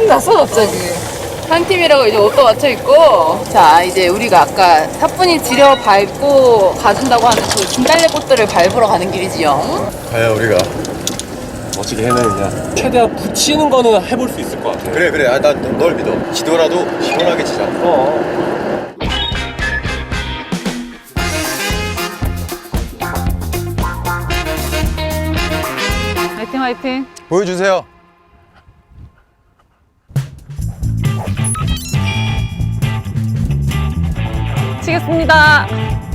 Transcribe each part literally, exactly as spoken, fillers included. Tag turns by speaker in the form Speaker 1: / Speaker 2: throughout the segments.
Speaker 1: 났어 갑자기. 한 팀이라고 이제 옷도 맞춰 입고. 자 이제 우리가 아까 사뿐히 지려 밟고 가준다고 하는 그 진달래 꽃들을 밟으러 가는 길이지요.
Speaker 2: 과연 우리가
Speaker 3: 멋지게 해내느냐. 최대한 붙이는 거는 해볼 수 있을 것 같아.
Speaker 2: 그래 그래 아, 난 널 믿어. 지더라도 시원하게 치자.
Speaker 3: 어.
Speaker 1: 화이팅 화이팅.
Speaker 2: 보여주세요.
Speaker 1: 치겠습니다.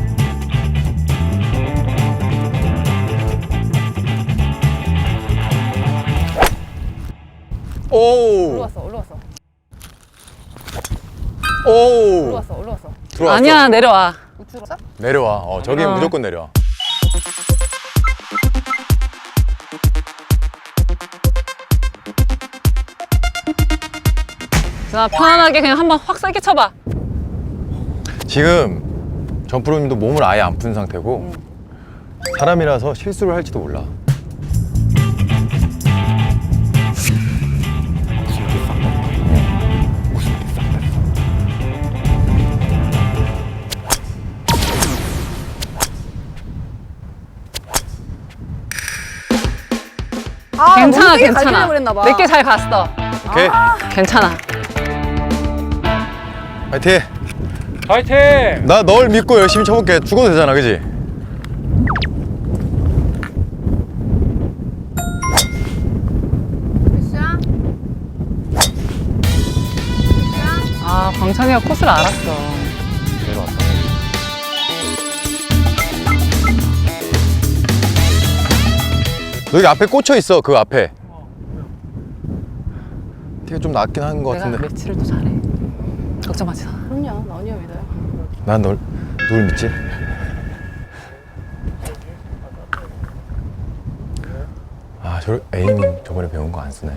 Speaker 2: 오.
Speaker 1: 올라왔어 올라왔어
Speaker 2: 오.
Speaker 1: 올라왔어 올라왔어.
Speaker 2: 들어왔어.
Speaker 1: 아니야 내려와. 우측으로?
Speaker 2: 내려와. 어 저기
Speaker 1: 어.
Speaker 2: 무조건 내려와.
Speaker 1: 자 편안하게 그냥 한번 확 세게 쳐봐.
Speaker 2: 지금 전프로님도 몸을 아예 안 푼 상태고 사람이라서 실수를 할지도 몰라.
Speaker 1: 아, 괜찮아
Speaker 4: 멍때리
Speaker 1: 괜찮아.
Speaker 4: 갈기려고 그랬나 봐.
Speaker 1: 내게 잘 갔어.
Speaker 2: 오케이.
Speaker 1: 괜찮아.
Speaker 2: 파이팅.
Speaker 3: 파이팅!
Speaker 2: 나 널 믿고 열심히 쳐볼게. 죽어도 되잖아, 그지?
Speaker 1: 아 광찬이가 코스를 알았어.
Speaker 3: 내려왔어.
Speaker 2: 여기 앞에 꽂혀 있어. 그 앞에. 티가 좀 낮긴 한 것
Speaker 1: 내가
Speaker 2: 같은데.
Speaker 1: 매치를 또 잘해. 걱정하지 마.
Speaker 4: 그럼요, 나 언니가 믿어요.
Speaker 2: 난 널 누굴 믿지? 아, 저 에이밍 저번에 배운 거 안 쓰네.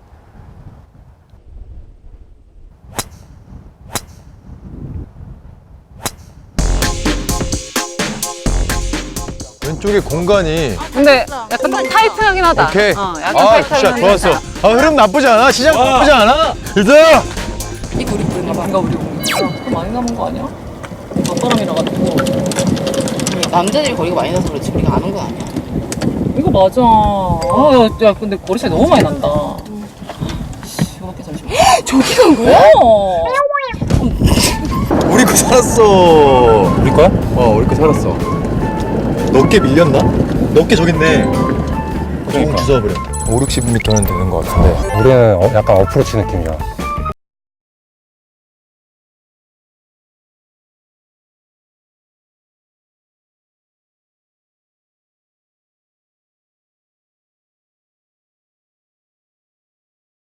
Speaker 2: 왼쪽에 공간이
Speaker 1: 근데 약간 좀 타이트하긴 하다.
Speaker 2: 오케이.
Speaker 1: 어, 약간
Speaker 2: 아,
Speaker 1: 타이트하긴
Speaker 2: 굿샷 좋았어.
Speaker 1: 하다.
Speaker 2: 아, 흐름 나쁘지 않아. 시작
Speaker 3: 와.
Speaker 2: 나쁘지 않아. 일단
Speaker 1: 이거 우리 부른가 봐. 이거 우리 부른가 많이 남은 거 아니야? 맞바람이라 가지고. 남자들이 거리가 많이 나서 그렇지 우리가 안 온 건 아니야. 이거 맞아. 아, 야, 야 근데 거리 차이 너무 많이 난다. 씨, 이거밖에 잠시만. 저기 간 거야? 어.
Speaker 2: 우리 거 살았어.
Speaker 3: 우리 거야?
Speaker 2: 어, 우리 거 살았어. 넓게 밀렸나? 넓게 저기 있네. 조금
Speaker 3: 그러니까.
Speaker 2: 주워버려. 오, 육십 미터는 되는 것 같은데.
Speaker 3: 우리는 어, 약간 어프로치 느낌이야.